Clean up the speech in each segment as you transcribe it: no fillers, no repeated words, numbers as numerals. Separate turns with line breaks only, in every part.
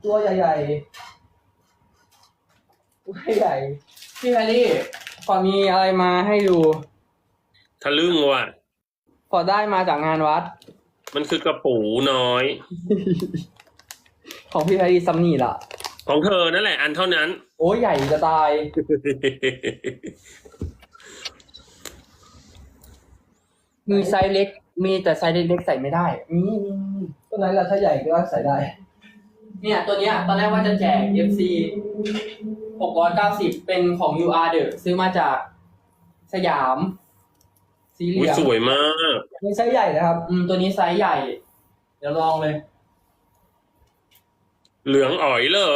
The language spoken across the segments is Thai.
ตัวใหญ่ๆตัวใหญ่
พี่แพรรี่ฟอร์ดมีอะไรมาให้ดู
ทะลึ่งว่ะ
ฟอร์ดได้มาจากงานวัด
มันคือกระปูน้อย
ของพี่แพรรี่ซัมนี่ล่ะ
ของเธอนั่นแหละอันเท่านั้น
โอ้ยใหญ่จะตาย มีไซส์เล็ก มีแต่ไซส์เล็กๆใส่ไม่ได้มี
ตัวไหนล่ะถ้าใหญ่ก็ใส่ได้
เนี่ยตัวเนี้ยตอนแรกว่าจะแจก FC 690 เป็นของ UR เดอะซื้อมาจากสยามสีเห
อุ้
ลื
ย
อง
สวยมาก
มีไซส์ใหญ่นะครับ
ตัวนี้ไซส์ใหญ่ เดี๋ยวลองเลย
เหลืองอ๋อยเลย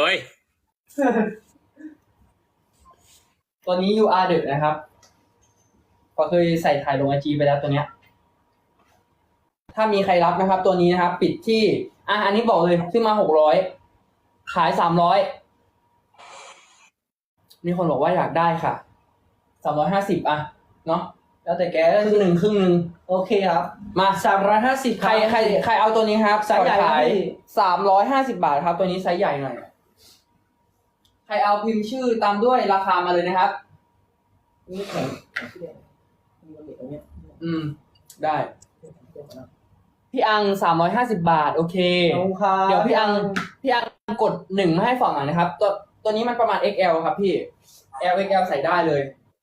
ตัวนี้ UR เดอะนะครับ ก็เคยใส่ถ่ายลง IG ไปแล้วตัวเนี้ย ถ้ามีใครรับนะครับ ตัวนี้นะครับ ปิดที่อันนี้บอกเลยซื้อมา600ขาย300มีคนบอกว่าอยากได้ค่ะ350เนาะ
แล้วแต่แก
ครึ่งหนึ่ง
โอเคครับ
มา
350
ใครเอาตัวนี้ครับ
ไซส์ใหญ่
ขาย
พี่
350 บาทครับ ตัวนี้ไซส์ใหญ่หน่อย ใครเอาพิมพ์ชื่อตามด้วยราคามาเลยนะครับ
นี่แข็งมีเหล็กตรงเนี้ย
ได้ พี่อัง350 บาท โอเค
ขอบคุณครับ
เดี๋ยวพี่อังกด1มาให้ฝั่งหน่อยนะครับ ตัวนี้มันประมาณ XL ครับพี่ LXL ใส่ได้เลย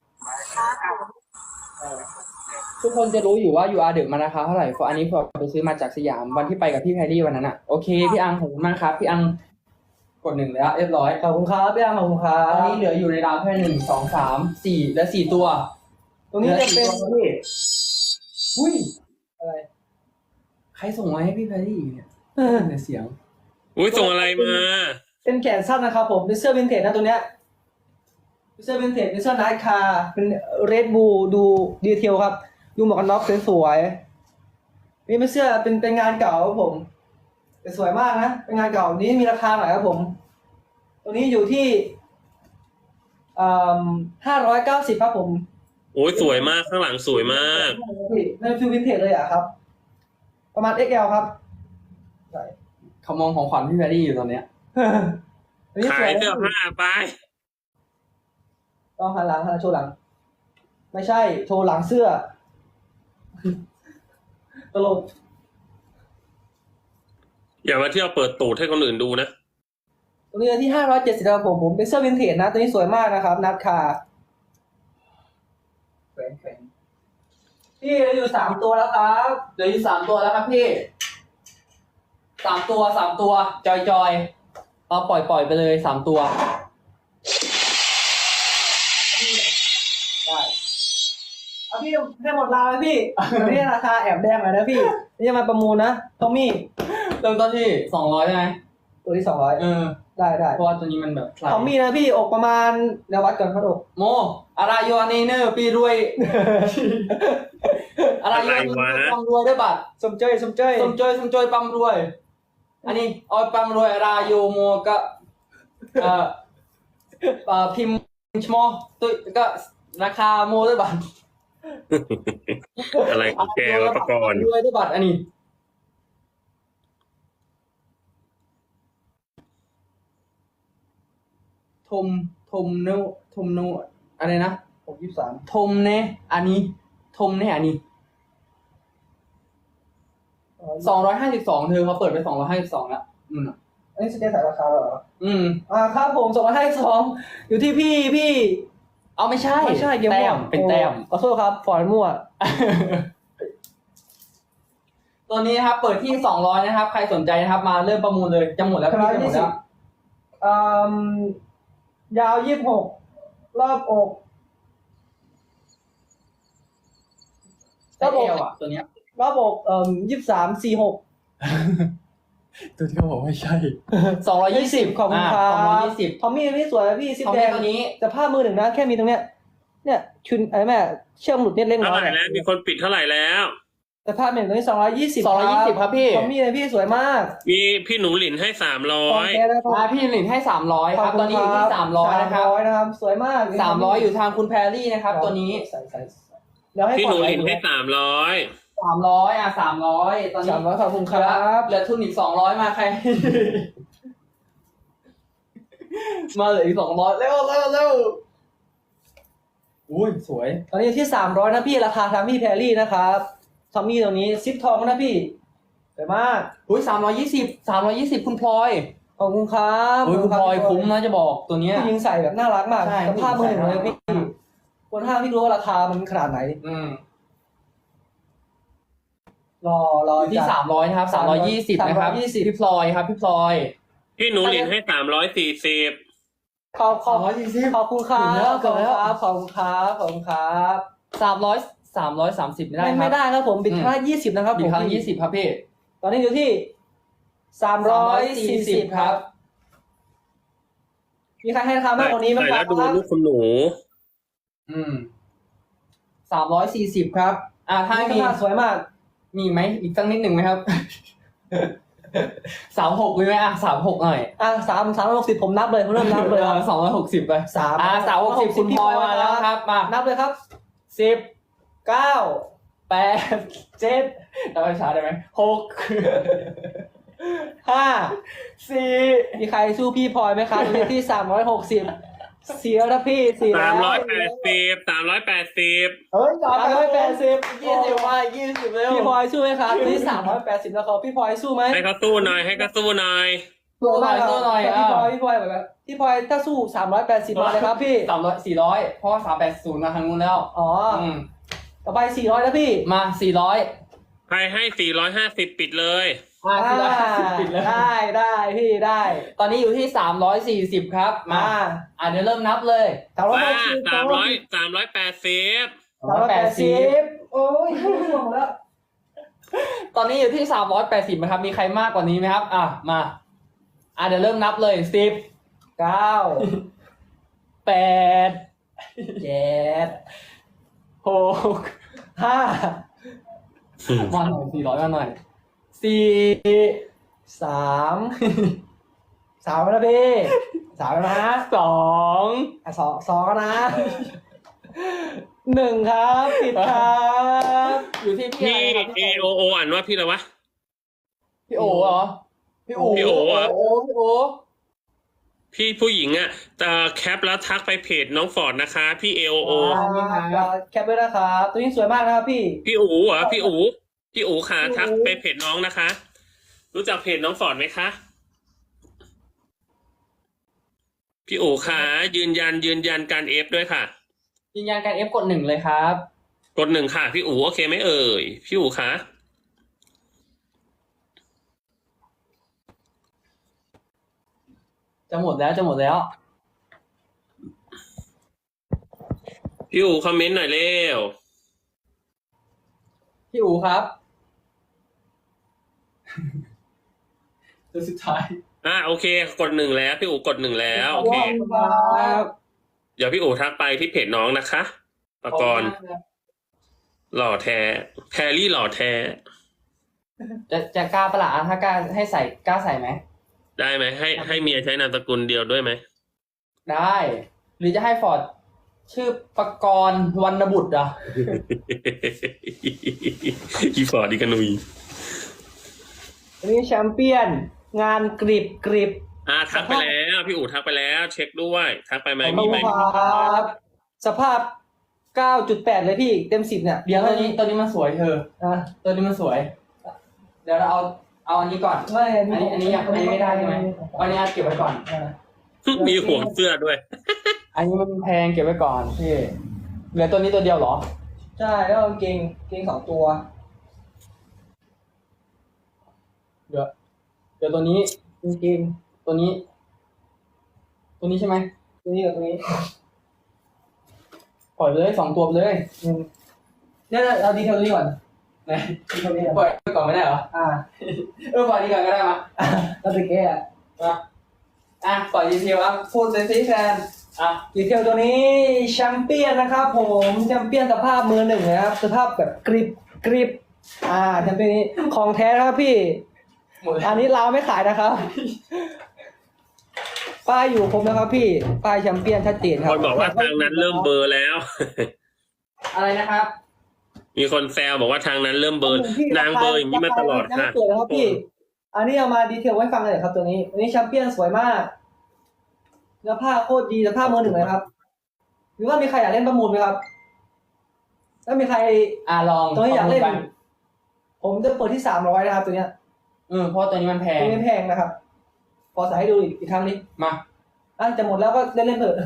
ทุกคนจะรู้อยู่ว่า UR เดอะมันราคาเท่าไหร่เพราะอันนี้พอไปซื้อมาจากสยามวันที่ไปกับพี่แพรรี่วันนั้นโอเค พี่อังขอบคุณมากครับ พี่อังกด1แล้วเรียบร้อย
ขอบคุณครับพี่อังขอบคุณครับ
ตอนนี้เหลืออยู่ในราวแค่1 2 3 4และ4ตัว
ตรงนี้จะเป็น
หลือ4ตัวพี่อุ้ย
อะไร
ใครส่งมาให้พี่แพรรี่เนี่ยแต่เสียง
อุ้ยส่งอะไรมา
เป็นแขนสั้นนะครับผมเป็นเสื้อวินเทจนะตัวเนี้ยเป็นเสื้อวินเทจเป็นเสื้อไนท์คาร์เป็นเรดบูดูดีเทลครับดูหมวกกันน็อกสวยๆนี่เป็นเสื้อเป็นงานเก่าครับผมแต่สวยมากนะเป็นงานเก่านี้มีราคาหน่อยครับผมตัวนี้อยู่ที่590ครับผม
โอ้ยสวยมากข้างหลังสวยมาก
ในฟิลวินเทจเลยอะครับ ประมาณ XL ครับใช่
เขามองของขวัญพี่แพรรี่อยู่ตอนเนี้ย
อันนี้ส
ขา
วย
ยเสื้อผ้าไป
ต้องหันหลังโชว์หลัง ไม่ใช่โชว์หลังเสื้อ ตลก
อย่ามาเที่ยวเปิดตูดให้คนอื่นดูนะ
ตัวนี้ที่570ครับผมเป็นเสื้อวินเทจนะตัวนี้สวยมากนะครับนัดคาแขวนพี่เหลืออยู่3ตัวแล้วครับ
เหลืออยู่3ตัวแล้วครับพี่3ตัวจอยเอาปล่อยไปเลย3ตัว
ได้เอาพี่ให้หมดราวเลยพี่ นี่ราคาแอบแดงหน่อยนะพี่นี่จะมาประมูลนะทอมมี่
เริ่มต้นที่200ใช่ไหม
ตัวที่200ได้
เพราะว่าตัวนี้มันแบบ
ทอมมี่นะพี่อกประมาณเดี๋ยววัดก่อนครับอก
โมอะไรโยอันนี้เนอร์ปีรวย อะไรโยอันนี้เนอร์ปั๊มรวยด้วยบัตร
สมเจย
สมจอยปั๊มรวย อันนี้เอาปั๊มรวยอะไรโยโมก็พิมพ์ชโมตัวก็ราคาโมด้วยบัตร
อะไรของแกวะประกรณ์
รวยด้วยบัตรอันนี้ทมโนอะไรนะ
63
ทมเนอันนี้ทมเนอันนี้252เธอเขาเปิดไป252แล้ว
อันนี้สเกตสายราคาเหรอ ครับผม252อยู่ที่พี่
เอาไม่ใช่
เกม
แต้มเป็นแต้ม
ขอโทษครับฟอนมั่ว
ตัวนี้นะครับ เปิดที่200นะครับ ใครสนใจนะครับ มาเริ่มประมูลเลยจะหมดแล้วพี่จะหมดแล้ว
ยาว26รอบอก
ไซส์ L อ่ะตัวเนี้ย
รอบอก23 46
ตัวที่เขาบอกไม่ใช่220
ขอบคุณครับ
220
ทอมมี่นี่สวยนะพี่ซิป
ของ
แด
แม่
ง
ตัวนี้
แต่ผ้ามือหนึ่งนะแค่มีตรงเนี้ยเนี่ยชุนอะไรแม่เชือกหลุดนิดเล็กน้
เท่า
อย
ไหร่แล้วมีคนปิดเท่าไหร่แล้ว
แต่ผ้าหนึ่งตรงนี้220
220ครับพี่
ทอมมี่เลยพี่สวยมาก
มีพี่หนูหลินให้
ของ
300
แกนะครับ
พี่หลินให้300ครับ ตอนนี้อยู่ที่300นะครับ
300นะครับ สวยมาก
300อยู่ทางคุณแพรรี่นะครับ ตัวนี้
ใส่เดี๋ยวให้
พี่หนูหลิน
ก่อ
ให้300
300 300 ตอนนี้
300ขอบคุณครับ
เหลือทุนอีก200มาใครมาเหลืออีก200เร็วอุ้ยสวย
ตอนนี้อยู่ที่300นะพี่ราคาทามี่แพรรี่นะครับทามี่ตัวนี้ซิปทองนะพี่สวยมาก
อุ้ย320คุณพลอย
ขอบคุณครับ
อุ้ยคุณพลอยคุ้มนะจะบอกตัวเนี้ย
ผู้หญิงใส่แบบน่ารักมาก
ใช่
สภาพมือหนึ่งเลย
ผู้หญิ
พี่
งใส่น่ารัก
คนห้างพี่รู้ว่าราคามันขนาดไหน
อืม
รอ
อยู่ที่
จัด
300นะครับ320นะครับ
320
พี่พลอยครับพี่พลอย
พี่หนูหลินให้340
ขอบคุณครับ
ถึงแล้ว
ขอบคุณครับขอบคุณครับขอบคุณครับ
330ไม่ได้ครับ
ไม่ได้ครับผมบิดครั้งละ20นะครับ
บิ
ผ
ด
ม
ครั้ง20ครับพี่
ตอนนี้อยู่ที่340ครับ มีใครให้ราคามากกว่านี้ไหม
ใส่
ครั
แล้
บ
วดูลูกคุณหนู
อืม340ครับถ้า
นี่
มี
ก็สวยมาก
มีไหมอีกสักนิดหนึ่งไหมครับ 36มีไหม36หน่อย
360ผมนับเลยผมเริ่มนับเลยครับ
260ไป
360
คุณพลอยมาแล้วครับมา
นับเลยครับ
10
9
8 7เราไปช้าได้ไหม6
5 4มีใครสู้พี่พลอยไหมครับตัวที่360เสียแล้วพี่เสียแล้ว
380
เฮ้ย380
20ว่า20เร็ว
พี่พลอยสู้ไหมครับตัวที่380แล้วเขาพี่พลอยสู้ไหม
ให้เขาสู้หน่อย ให้เขาสู้หน่อย
สู้หน่อยสู้หน่อย
พี่พลอยแบบพี่พลอยถ้าสู้380มาเลยครับพี่
400เพราะว่า380มาทางนู้นแล้ว
อ๋อ
ม
ต่อไป400แล้วพี่
มา400
ใครให้450ปิดเลย
450ปิดเลย
ได้พี่ได้
ตอนนี้อยู่ที่340ครับมาเดี๋ยวเริ่มนับเลย
ว่า
380
380
โอ้ยห่วงแล้ว
ตอนนี้อยู่ที่380นะครับมีใครมากกว่านี้ไหมครับมาเดี๋ยวเริ่มนับเลย10
9
8
7
6
5
มาหน่อย400มาหน่อย4
3แล้วพี่3แล้วนะ
2
2แล้วนะ1ครับผิดครับ
อยู่ที่พี่
พี่
อะไรครับ
AOO อ่านว่าพี่อะไรวะ
พี่โอเหรอพี่โอ
พี่โอเหรอ
พี่โอ
พี่ผู้หญิงอ่ะแคปแล้วทักไปเพจน้องฟอร์ดนะคะ พี่ AOO
แคปไว้นะครับ ตัวนี้สวยมากนะครับพี่
พี่อู๋เหรอพี่อู๋ค่ะทักไปเพจน้องนะคะ รู้จักเพจน้องฟอร์ดไหมคะ พี่อู๋ค่ะยืนยันการเอฟด้วยค่ะ
ยืนยันการ F กด1เลยครับ
กด1ค่ะพี่อู๋โอเคไหมเอ่ยพี่อู๋ค่ะ
จะหมดแล้ว
พี่อู๋คอมเมนต์หน่อยเร็ว
พี่อูครับ ตัวสุดท้าย
โอเคกด1แล้วพี่อู๋กด1แล้วโอเค
ครับ
เดี๋ยวพี่อู๋ทักไปที่เพจน้องนะคะปกรณ์หล่อแท้แพรรี่หล่อแท้
จะกล้าประหลาดถ้ากล้าให้ใส่กล้าใส่ไหม
ได้ไหมให้เมียใช้นามสกุลเดียวด้วยไหม
ได้ หรือจะให้ฟอร์ดชื่อปกรณ์วรรณบุตรอ่ะ
อีฟอร์ดอีกานุย
อันนี้แชมเปี้ยนงานกริบ
ทักไปแล้วพี่อู๋ทักไปแล้ว เช็คด้วยทักไปไหม
ขอบ
มี
คุ
ไหม
ณครับสภาพ 9.8 เลยพี่เต็ม10เนี่ย
เดี๋ยวตัวนี้มันสวยเธอ
อ่ะ
ตัวนี้มันสวย เดี๋ยวเราเอาอันนี้ก่อน
ไม่
อันนี้ไม่ได้ใช่ไหมอันนี้เก็บไว้ก่อน
มีห่วงเสื้อด้วย
อันนี้มันแพงเก็บไว้ก่อนพี่เหลือตัวนี้ตัวเดียวเหรอ
ใช่แล้วกางเกง2 ตัว
เดี๋ยวตัวนี้
กางเกง
ตัวนี้ใช่ไหม
ตัวนี้กับตัวนี้
ปล่อยไปเลย2 ตัวไปเลย
เนี่ยเราดีเทลนี้ก่อน
ไหน
ดีเทลนี้ก่อน
ปล่อยไปก่อนไม่ได้เหรอ ปล่อยดีก่อนก็ได้มา
เราจะแก้
ปล่อยดีเทลพูดเลยสิแฟน
ดีเทลตัวนี้แชมเปี้ยนนะครับผมแชมเปี้ยนสภาพมือหนึ่งนะครับสภาพแบบกริบแชมเปี้ยนนี้ของแท้นะครับพี่
หมดแล้ว
อันนี้เราไม่ขายนะครับ ป้ายอยู่ครบนะครับพี่ป้ายแชมเปี้ยนชัดเจนครั
คนบอกว่าทางนั้นเริ่มเบลอร์แล้ว
อะไรนะครับ
มีคนแซวบอกว่าทางนั้นเริ่มเบลอร์นางเบลอร์อย่างนี้มาตลอดค่ะ
เปิดนะครับพี่ อันนี้เอามาดีเทลไว้ฟังเลยครับตัวนี้อันนี้แชมเปี้ยนสวยมากเนื้อผ้าโคตรดีเนื้อผ้ามือหนึ่งเลยครับ หรือว่ามีใครอยากเล่นประมูลไหมครับถ้ามีใคร
ลอง
ตัวนี้อยากเล่น
ประมู
ผมจะเปิดที่300นะครับตัวเนี้ย
เพราะตัวนี้มันแพง
ตัวนี้ไม่แพงนะครับขอใส่ให้ดูอีกครั้งนี้
มา
จะหมดแล้วก็เล่นเถอะ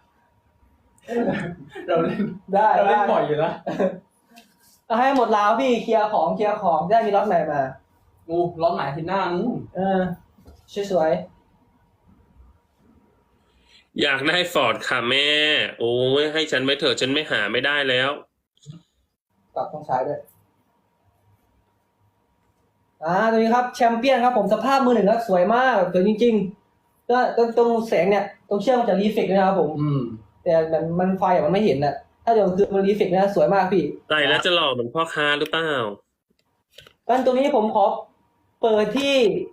เราเล่น
ได้
เราเล่น
ได้
บ่อยอยู่แล้ว
เอาให้หมดแล้วพี่เคลียร์ของจะได้มีล็อตใหม่มา
ร้อนหมายที่หน้านู้น
สวย
อยากได้ฟอร์ดค่ะแม่ โอ้ยให้ฉันไม่เถอะฉันไม่หาไม่ได้แล้ว
ๆปรับตรงซ้ายด้วยตัวนี้ครับแชมเปี้ยนครับผมสภาพมือหนึ่งครับสวยมากสวยจริงๆก็ตรงแสงเนี่ยตรงเชือกมันจะรีเฟกต์ด้วยนะครับผม แต่มันไฟมันไม่เห็นน่ะถ้าเดี๋ยวคือมันรีเฟกต์นะสวยมากพี่
ใส่แล้วจะหล่อเหมือนพ่อค้าหรือเปล่า
งั้นตัวนี้ผมขอเปิดที่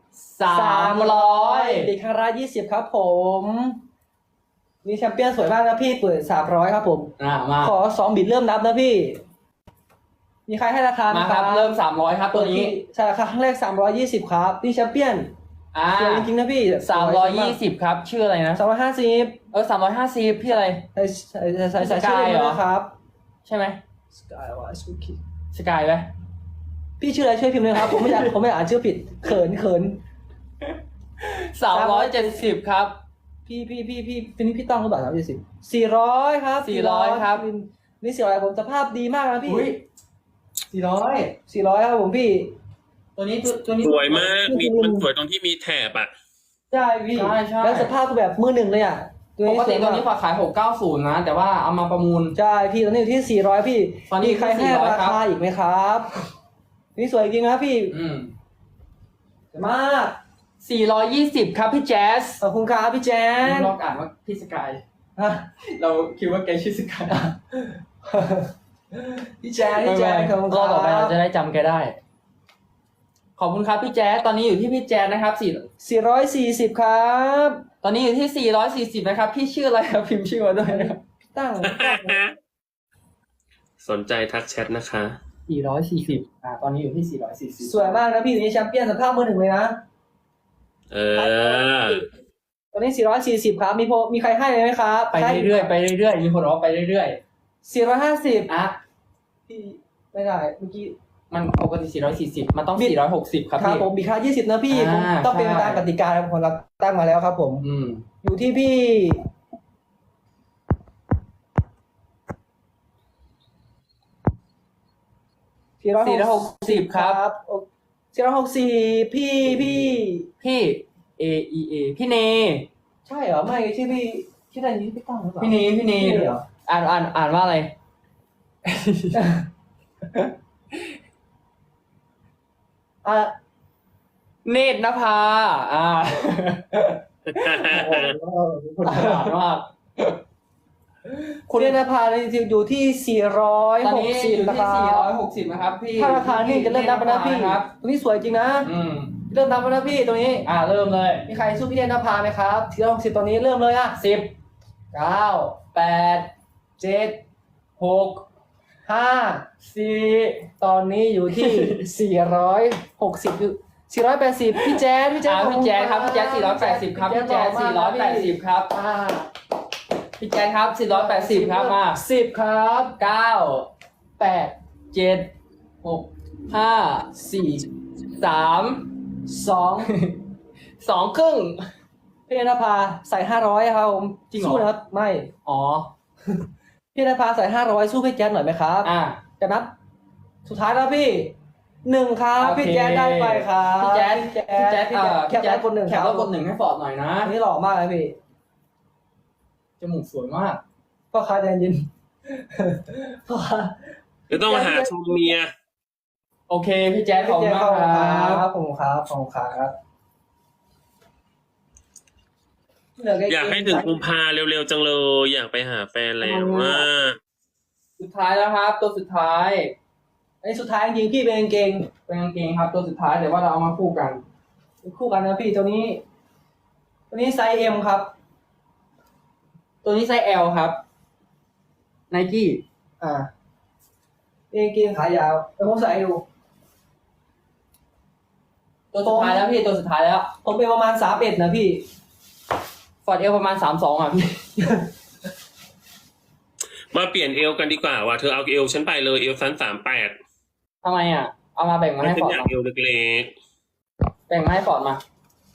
300
เด็กคารา20ครับผมนี่แชมเปี้ยนสวยมากนะพี่เปิด300ครับผม
มา
ขอ2บิตเริ่มนับนะพี่ มีใครให้ราคาไหม
มาครับ เริ่ม300ครับตัวนี้
ใช่ราคาครั้งแรก320ครับนี่แชมเปี้ยนสวยจริงๆนะพี่
320ครับชื่ออะไรนะ
350
350พี่อะไร
ใส่ชื่อเลยนะครับ
ใช่ไหม
สกายวายสุกิ
สกายไหม
พี่ชื่ออะไรช่วยพิมพ์เลยครับผมไม่อยากอ่านชื่อผิดเขิน
370ครับ
พี่พี่ต้องหรือเปล่า370 400ครับ
400ครับ
นี่400ผมสภาพดีมากนะพี่
อุ้ย
400ครับผมพี่
ตัวนี้ตัวนี้
สวยมากมีมันสวยตรงที่มีแถบอ่ะ
ใช่พี่
ใช่
แล้วสภาพคือแบบมือหนึ่งเลยอ่ะ
ปกติตัวนี้ฝากขาย690นะแต่ว่าเอามาประมูล
ใช่พี่ตอนนี้อยู่ที่400พี่
ตอนนี้
มีใครให้
400
รา
ครับ
คาอีกไหมครับนี่สวยจริงนะพี่ สวยมาก
420ครับพี่แจ๊ส
ขอบคุณครับพี่แจ๊น
ลองอ่านว่าพี่สกาย
ฮะ
เราคิดว่าแกชื่อสกาย
พี่แจ๊นขอบคุณค
ก็
รับ
ต่อไปเราจะได้จำแกได้ ขอบคุณครับพี่แจ๊สตอนนี้อยู่ที่พี่แจ๊สนะครับ
440ครับ
ตอนนี้อยู่ที่440นะครับพี่ชื่ออะไรครับพิมพ์ชื่อมาด้วยนะครับ
ตั้ง
สนใจทักแชทนะคะ
440ตอนนี้อยู่ที่440
สวยมากนะพี่อยู่ในแชมเปี้ยนสภาพมือหนึ่งเลยนะ
เออ
ตอนนี้440ครับมีใครให้ไหมครับ
ไปเรื่อยๆไปเรื่อยๆมีคนบอกว่าไปเรื่อย
450 พี่ไม่ได้เมื่อกี้
ๆมันปกติ440มันต้อง460ครับ
ครับ
พี่
ผมมีค่า20นะพี่ผมต้องเป็นไปตามกติกาของเราตั้งมาแล้วครับผม อยู่ที่พี่
460ครับ
464พี่
พี่ พี่เน
ใช่เหรอไม่ชื่อพี่ชื่ออะไรนี่พี่ตั้งหรือเปล่า
พี่เน
เหรอ
อ่านว่าอะไร เนตรนภา
คุณ
คนฉลาดมาก
คุณเนตรนภาอยู่ที่460
ตอนนี้อยู่
นะค
ที่
รับ
460นะครับพี่
ถ้าราคานี่จะเริ่มนับแล้วนะพี่
ครับ
ตรงนี้สวยจริงนะ เริ่มนับแล้วนะพี่ตรงนี้
เริ่มเลย
มีใครสู้พี่เนตรนภาไหมครับ460ตอนนี้เริ่มเลยอ่ะ
10 9 8 7 6
5 4ตอนนี้อยู่ที่ 460อยู่480พี่แจ๊ด
พี่แจ๊คครับพี่แจ๊ค480ครับพี่แจ๊ค480ครับ พี่แจ๊คครับ480ครับมา
10ครับ
9 8 7 6 5 4 3 2 ครึ่ง
พี่นภาใส่500ครับผม
จริงเหรอ
สู้นะครับไม่
อ๋อ
พี่นภาใส่500สู้พี่แจ๊ดหน่อยไหมครับจะนับสุดท้ายแล้วพี่1ครับ
โอเค
พี่แจ๊ดได้ไปครับ
พี่แจ๊ด
แคปแล้วกด1
แค
ค
ป
รับ
แล้วกด1ให้ฟอร์ดหน่อยนะ
อันนี้หล่อมากเลยพี่
จมูกสวยมาก
พ่อค้าใจเย็นพ่อค้า
จะต้องมาหาชมเมีย
โอเคพี่แจ๊ดขอบคุณมากครับ
ขอบคุณครับขอบคุณครับ
อยากให้ถึงกุมภาเร็วๆจังเลยอยากไปหาแฟนแล้วว่า
สุดท้ายแล้วครับ ตัวสุดท้าย
อันนี้สุดท้ายจริงๆพี่เป็นกางเกง
เป็นกางเกงครับ ตัวสุดท้ายเดี๋ยวว่าเราเอามาคู่กัน
คู่กันนะพี่ตัวนี้ไซส์ M ครับ
ตัวนี้ไซส์ L ครับ Nike
เป็นกางเกงขายาวแต่ผมใส่ให้ดู
ตัวสุดท้ายแล้วพี่ตัวสุดท้ายแล้ว
ผมเป็นประมาณ31นะพี่
ฟอร์ดเอลประมาณ32อ่ะพี่
มาเปลี่ยนเอวกันดีกว่าว่ะเธอเอาเอวฉันไปเลยเอวชั้น38
ทำไมอ่ะ เอามาแบ่งมา
ไม่
ให้
ฉั
ฟ
น
อร์ด
อยาก
มา
เอวเล็ก
แบ่งมาให้ฟอร์ดมา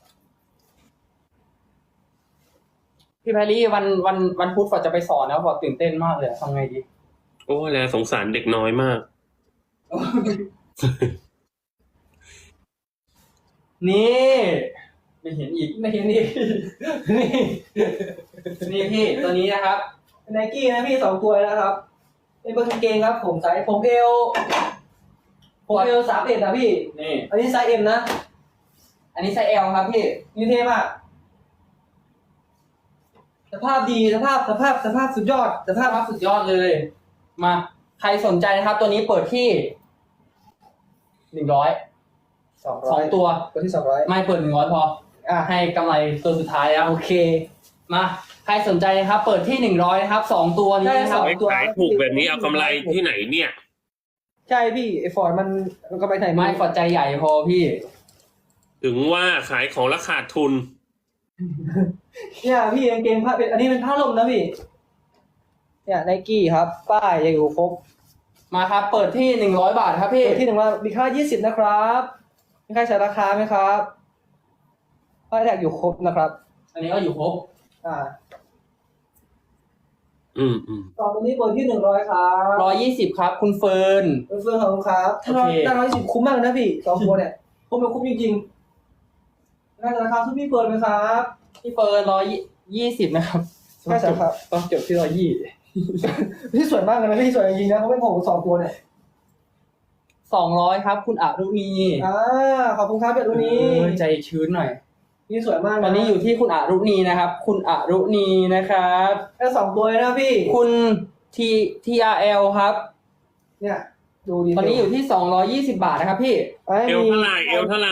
พี่แพรรี่วันพุธฟอร์ดจะไปสอนแล้วฟอร์ดตื่นเต้นมากเลยทำไงดี
ๆโอ้แล้วสงสารเด็กน้อยมาก
นี่ไม่เห็นอีก
ไม่เห็นนี่ นี่
นี่พี่ตัวนี้นะครับ
ไนกี้นะพี่2 ตัวนะครับเป็นกางเกงครับผมไซส์ผมเอล31นะพี่
นี่
อันนี้ไซส์ M นะ
อันนี้ไซส์ L ครับพี่
นี่เท่มากสภาพดีสภาพสุดยอดสภาพ
สุดยอดเลย มาใครสนใจนะครับ ตัวนี้เปิดที่100 2 ตัว
ตัวที่200
ไม่เปิด100พอให้กำไรตัวสุดท้ายแล้ว
โอเค
มาใครสนใจนะครับ เปิดที่100นะครับ2ตัวนี้นะครับ
ไม่ขายถูกแบบนี้เอากำไรที่ไหนเนี่ย
ใช่พี่ไอฟอร์ดมันกำไรไหน
ไม่ฟอร์ดใจใหญ่พอพี่
ถึงว่าขายของราคาดทุน
เนี่ยพี่กางเกงผ้าเป็นอันนี้เป็นผ้าลมนะพี่เนี่ยไนกี้ครับป้ายยังอยู่ครบ
มาครับ เปิดที่100 บาทครับพี่
ที่หนึ่งว่ามีค่า20นะครับมีใครใส่ราคาไหมครับป้ายแท็กอยู่ครบนะครับ
อันนี้ก็อยู่ครบ
อืม
ต่อตัวนี้เปิดที่100ครับ
120ครับ คุณเฟิร์น
เฟื่องของครับถ้าเรา
โอเค
ถ้า120คุ้มมากนะพี่2 ตัวเนี่ยคุ้มเป็นคุ้มจริงๆน่าจะราคาทุกพี่เปิดไหมครับ
พี่เฟิร์น120นะครับ
ใช่ครับ
ต้องจบที่120
พี่สวยมากเลยนะพี่สวยจริงๆนะเขาไม่พอกับ2 ตัวเนี่ย
200ครับ คุณอรุณี
ขอบคุณครับเดี๋ยวตัวนี้
ใจชื้นหน่อย
นี่สวยมากะ
ตอนนี้อยู่ที่คุณอรุณีนะครับ คุณอรุณีนะครับ
แค่2 ตัวเลยนะพี่
คุณ TRL ครับ
เนี่ยดูดี
ตอนนี้อยู่ที่220 บาทนะครับพี่
เอวเท่าไหร่เอวเท่าไหร่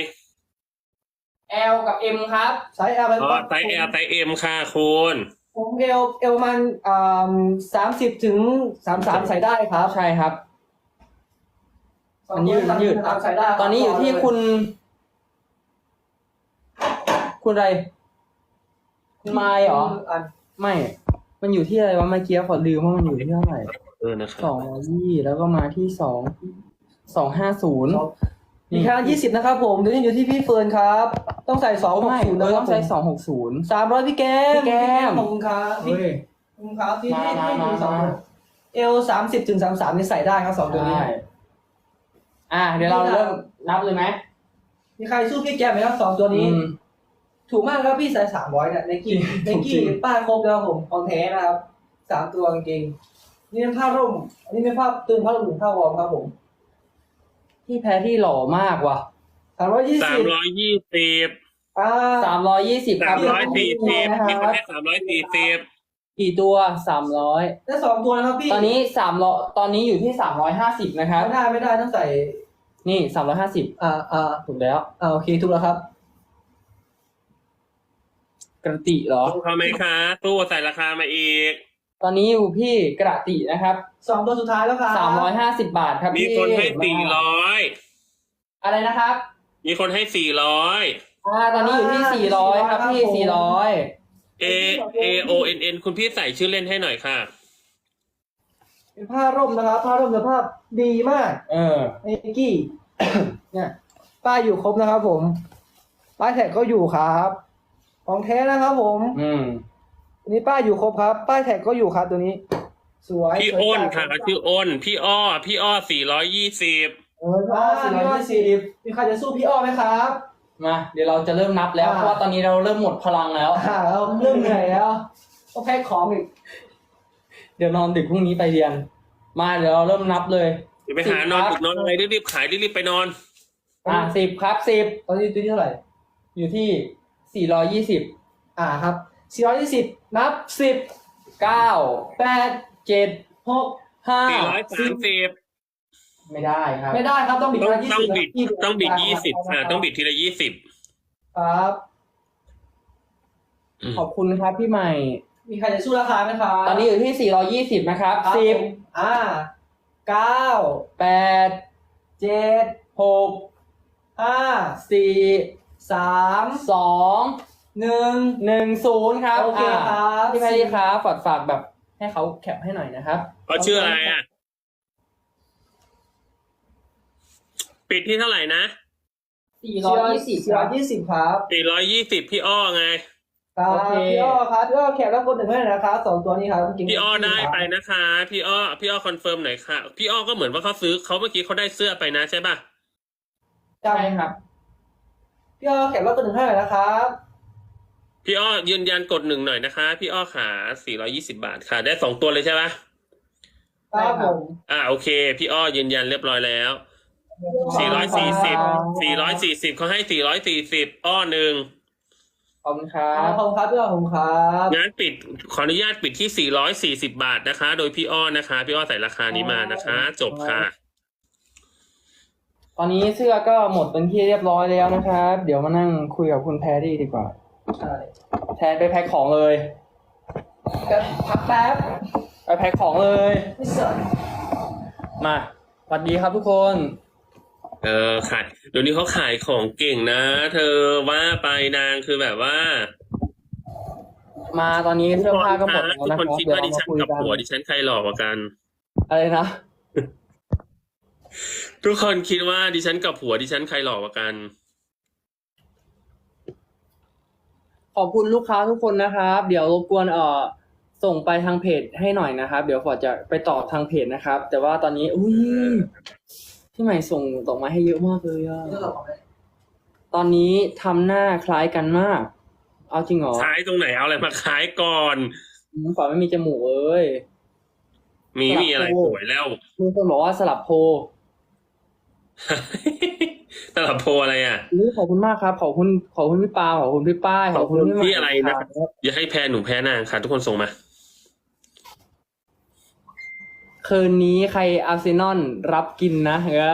L กับ M ครับ
ไซส์ L
อ๋อไซส์ L ไซส์ M ค่ะคุณ
ผม L มัน30 ถึง 33ใส่ได้ครับ
ใช่ครับ มันยืด
ใส่ได้ครับ
ตอนนี้อยู่ที่คุณอะไร คุณไมล์เหรอ ไม่ มันอยู่ที่อะไรวะเมื่อกี้ขอลืมว่ามันอยู่ที่เท่าไหร่
นะครับ
220แล้วก็มาที่250
มีค่า20นะครับผมเดี๋ยวนี้อยู่ที่พี่เฟิร์นครับ ต้องใส่260
ไม่
นะค
ต้
รั
อบ งใช้260
300พี่แก้ม
พี่แก้ม
ขอบคุณครับพี่
เฮ้ย
ขอบคุณครับพี่
มา
ให้
มา
ดูสอง
มา
L 30 ถึง 33นี่ใส่ได้ครับ2 ตัวนี้
ได้เดี๋ยวเราเริ่มนับเลยไหม
มีใครสู้พี่แก้มไหมครับ2 ตัวนี้ ถูกมากครับพี่ใส่300เนี่ยไนกี้
จริง
ป้ายครบแล้วผมของแท้นะครับ3 ตัวจริงๆนี่เป็นผ้าร่ม อันนี้เป็นผ้าตึงผ้าร่มหรือผ้าวอร์มครับผม
พี่แพ้ที่หล่อมากว่ะ
320
320
320ครับ
340มีคนให้340
กี่ตัว300
ได้2 ตัวนะครับพี่
ตอนนี้ตอนนี้อยู่ที่350นะครับ
ไม่ได้ต้องใส่
นี่350ถูกแล้ว
โอเคถูกแล้วครับ
กระติเหรอ
ตู้เขาไหมคะตู้ใส่ราคามาอีก
ตอนนี้อยู่พี่กระตินะครับ
2 ตัวสุดท้ายแล้วครับ
350 บาทครับ
มี
พี่
คนให้
มาอะไรนะครับ
400มีคนให้400
ตอนนี้อยู่ที่400ครับพี่400
AONN คุณพี่ใส่ชื่อเล่นให้หน่อยค่ะ
เป็นผ้าร่มนะครับ ผ้าร่มสภาพดีมากไนกี้ เนี่ยป้ายอยู่ครบนะครับผมป้ายแท็กก็อยู่ครับของแท้นะครับผมอันนี้ป้ายอยู่ครบครับ ป้ายแท็กก็อยู่ครับตัวนี้ สวย
พี่อ้นค่ะชื่ออ้นพี่อ้อ420
420มีใครจะสู้พี่อ้อไหมครับ
มาเดี๋ยวเราจะเริ่มนับแล้ว เพราะว่าตอนนี้เราเริ่มหมดพลังแล้ว
เราเริ่มเหนื่อยแล้วต้องแพ็คของอีก
เดี๋ยวนอนดึกพรุ่งนี้ไปเรียน มาเดี๋ยวเราเริ่มนับเลย
เดี๋ยวไปหานอนดึกนอนอะไรรีบๆขายรีบๆไปนอน
10ครับ10
ตอนนี้ตัวที่เท่าไหร่
อยู่ที่420
ครับ420นับ10
9
8
7
6
5
430
ไม่ได้ครับ
ไม่ได้ครับต้องบิด
ต้องบิด20ค่ะต้องบิดทีละ20
ครับ
ขอบคุณครับพี่ใหม่
มีใครจะสู้ราคาไหมครับ
ตอนนี้อยู่ที่420นะครับ
ครับผม9
10 8
7
6
5
4
3
2 10ครับ
โอเคครับ
พี่แพรรี่ครับฝากแบบให้เขาแคปให้หน่อยนะครับ
เขาชื่ออะไรอ่ะ ปิดที่เท่าไหร่นะ
420ครับ
420พี่อ้อไง
ครับ
โอเค
พี่อ้อครับพี่อ้อแคปแล้วกดหนึ่งให้หน่อยนะครับ2ตัวนี้ครับกิน
พี่อ้อได้ไปนะคะ พี่อ้อคอนเฟิร์มหน่อยค่ะ พี่อ้อก็เหมือนว่าเขาซื้อเขาเมื่อกี้เขาได้เสื้อไปนะใช่ป่ะ
ใช่ครับ
พี่อ้อแคปแล้วกดหนึ่งให้หน่อยนะครับ
พี่อ้อยืนยันกด1หน่อยนะคะ พี่อ้อขา420 บาทค่ะ ได้2ตัวเลยใช่ป่ะ
ครับผม
โอเค พี่อ้อยืนยันเรียบร้อยแล้ว440เขาให้440อ้อหนึ่ง
ขอบคุณครั
ขอ
บบ
คุณครับพี่อ้อขอบคุณครับ
งั้นขออนุญาตปิดที่440 บาทนะคะ โดยพี่อ้อนะคะ พี่อ้อใส่ราคานี้มานะคะ จบค่ะ
ตอนนี้เสื้อก็หมดเป็นที่เรียบร้อยแล้วนะครับ เดี๋ยวมานั่งคุยกับคุณแพรรี่ดีกว่า
ใช่
แทนไปแพ็คของเลย
พักแป๊บ
ไปแพ็คของเลย
ไม่สน
มาสวัสดีครับทุกคน
ขายเดี๋ยวนี้เขาขายของเก่งนะ เธอว่าไปนางคือแบบว่า
มาตอนนี้เสื้อผ้าก็หมดแล้ว
ทุก
นะค
ครับ นคิด
เดี๋ยว
ว่า
เรา
ดิ
มา
ฉัน
คุย
กับ
กัน
ผัวดิฉันใครหล่อกว่ากัน
อะไรนะ
ทุกคนคิดว่าดิฉันกับผัวดิฉันใครหล่อกว่ากัน
ขอบคุณลูกค้าทุกคนนะครับ เดี๋ยวรบกวนส่งไปทางเพจให้หน่อยนะครับ เดี๋ยวฟอร์ดจะไปตอบทางเพจนะครับ แต่ว่าตอนนี้อุ้ยพี่ใหม่ส่งดอกไม้ให้เยอะมากเลยอะตอนนี้ทำหน้าคล้ายกันมาก เอาจริงเหรอ
ขายตรงไหนเอาอะไรมาขายก่อน
ฟอร์ดไม่มีจมูกเอ้ย
มีอะไรสวยแล้ว
มีคนบอกว่าสลับโพล
ตลับโพอะไรอ่ะ
ขอบคุณมากครับ ขอบคุณพี่ปาขอบคุณพี่ป้ายขอบคุณพี่ใหม่
ที่อะไรนะ อย่าให้แพ้หนูแพ้นางค่ะ ทุกคนส่งมา
คืนนี้ใครอาร์เซนอลรับกินนะ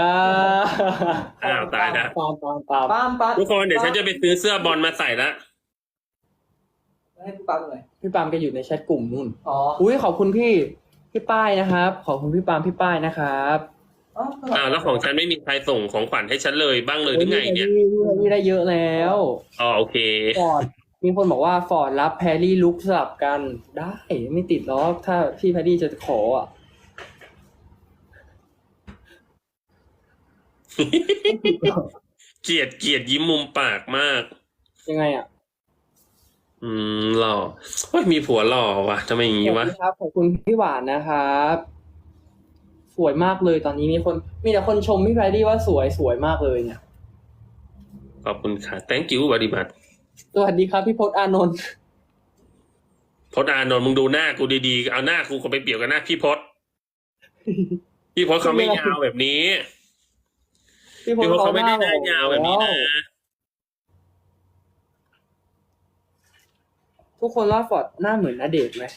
ตายแล้ว
ปาม
ปั๊ม
ทุกคนเดี๋ยวฉันจะไปซื้อเสื้อบอลมาใส่ละ
ให้พี่ปั๊มหน่อย
พี่ปามแกอยู่ในแชทกลุ่มนู่น
อ๋อ
อุ้ยขอบคุณพี่ป้ายนะครับ ขอบคุณพี่ปามพี่ป้ายนะครับ
แล้วของฉันไม่มีใครส่งของขวัญให้ฉันเลยบ้างเลยหรือไงเนี่ย
พี่ได้เยอะแล้ว
โอเค
ฟอร์ดมีคนบอกว่าฟอร์ดรับแพรรี่ลุกสลับกันได้ไม่ติดหรอกถ้าพี่แพรรี่จะขออ่ะ
เกลียดยิ้มมุมปากมาก
ยังไงอ่ะ
หล่อเฮ้ยมีผัวหล่อว่ะทำไมอย่างงี้วะ
ครับขอบคุณพี่หวานนะครับสวยมากเลยตอนนี้มีแต่คนชมพี่แพรรี่ว่าสวยมากเลยเนี่ย
ขอบคุณค่ะ thank you very much
สวัสดีครับพี่พจน์อานนท์
พจน์อานนท์มึงดูหน้ากูดีๆเอาหน้ากูไปเปรียบกับหน้าพี่พจน์เขาไม่ยาวแบบนี้พี่พจน์เขาไม่ได้หน้ายาวแบบนี้นะ
ทุกคนว่าฟอร์ดหน้าเหมือนณเดชน์ไหม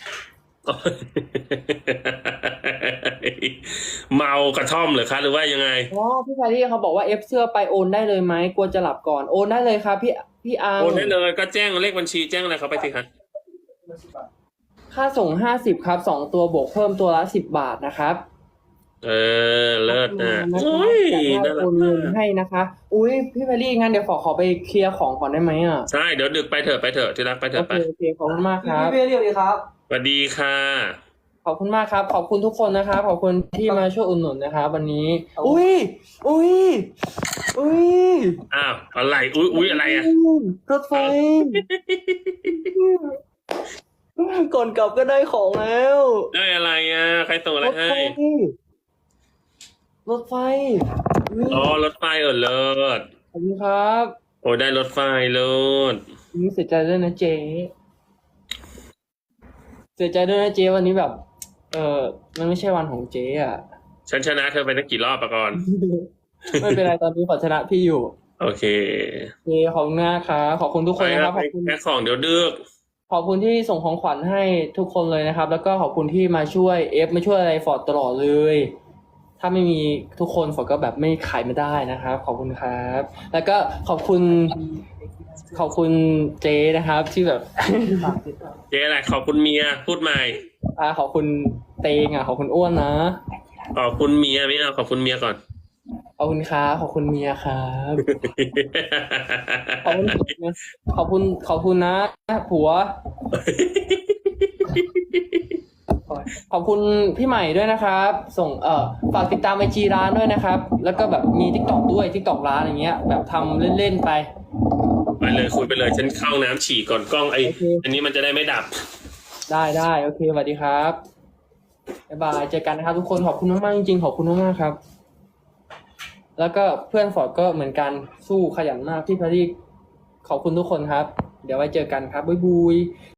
เมากระท่อมเหรอคะหรือว่ายังไง
อ๋อพี่แพรรี่เขาบอกว่าเอฟเสื้อไปโอนได้เลยไหมกลัวจะหลับก่อนโอนได้เลยครับพี่อัง
โอนได้เลยก็แจ้งเลขบัญชีแจ้งอะไรเขาไปสิคะ
ค่าส่ง50ครับ2ตัวบวกเพิ่มตัวละ10 บาทนะครับ
เลิศนะ
นะคะ
โอ้ย
จะได้
น่ารั
โอกนเงินให้นะคะ อุ้ยพี่แพรรี่งั้นเดี๋ยวขอไปเคลียร์ของก่อนได้ไหมอ่ะ
ใช่เดี๋ยวดึกไปเถอะที่รักไปเถ
โอ
อะ
เค
ไป
โอเคขอบคุณมากครับ
พี่เรียกดีครับ
สวัสดีค่ะ
ขอบคุณมากครับ ขอบคุณทุกคนนะครับ ขอบคุณที่มาช่วยอุดหนุนนะครับวันนี้
ครับ
อุ้ย
อ้าวอะไรอุ้ยอะไรอ่ะ
รถไฟ ก่อนกลับก็ได้ของแล้ว
ได้อะไรอ่ะใครส่งอะไร
รถ
ให้
ไฟรถไฟอุ๊ย
อ๋อรถไฟเลิศ
ขอบคุณครับ
โอ้ยได้รถไฟเลิศ
นี่เสียใจด้วยนะเจ๊เสียใจด้วยนะเจ๊วันนี้แบบ มันไม่ใช่วันของเจ๊อ่ะ
ฉันชนะเธอไปตั้งกี่รอบปะก่อน
ไม่เป็นไรตอนนี้ขอชนะพี่อยู่
โอเค
โอเคขอบคุณนะครับขอบคุณทุกคนนะครับ
ไป
ขอบคุณ
แพ็คของเดี๋ยวดึก
ขอบคุณที่ส่งของขวัญให้ทุกคนเลยนะครับ แล้วก็ขอบคุณที่มาช่วยมาช่วยอะไรฟอร์ดตลอดเลย ถ้าไม่มีทุกคนฟอร์ดก็แบบไม่ขายไม่ได้นะครับ ขอบคุณครับ แล้วก็ขอบคุณเจ๊นะครับ ที่แบบ
เจ๊อะไรขอบคุณเมียพูดใหม่
ขอบคุณเตงขอบคุณอ้วนนะ
ขอบคุณเมียไม่เอาขอบคุณเมียก่อน
ขอบคุณครับขอบคุณเมียครับขอบคุณขอบคุณขอบคุณนะผัว ขอบคุณพี่ใหม่ด้วยนะครับ ส่งฝากติดตามไอจีร้านด้วยนะครับ แล้วก็แบบมีทิกตอกด้วยทิกตอกร้านอย่างเงี้ย แบบทำเล่นๆไป
ไปเลยคุยไปเลยฉันเข้าน้ำฉี่ก่อนกล้อง
โอเค
อันนี้มันจะได้ไม่ดับ
ได้โอเคสวัสดีครับบ๊ายบายเจอกันนะครับทุกคนขอบคุณมากๆจริงๆขอบคุณมากๆครับ แล้วก็เพื่อนฟอร์ดก็เหมือนกันสู้ขยันมากที่พารีขอบคุณทุกคนครับ เดี๋ยวไว้เจอกันครับบ๊ายบาย